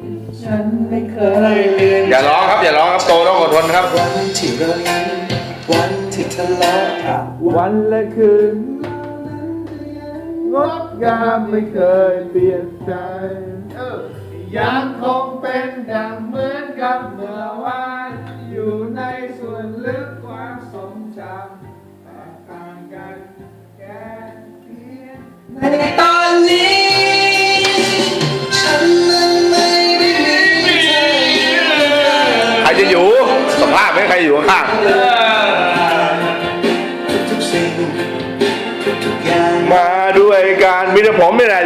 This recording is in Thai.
ฉันไม่เคยเลือนอย่าร้องครับอย่าร้องครับโตต้องอดทนครับวันที่เรายิ้มวันที่ทะเลาะวันและคืนงดงามไม่เคยเปลี่ยนใจยังคงเป็นดังเหมือนกับเมื่อวานอยู่ในส่วนลึกความทรงจำแตกต่างกันแค่เพียงในตอนนี้ฉันนั้นไม่ได้มีเธออยู่ใครจะอยู่สภาพไม่ใครอยู่ข้างทุกๆสิ่งทุกๆอย่างมาด้วยการมีแต่ผมนี่แหละ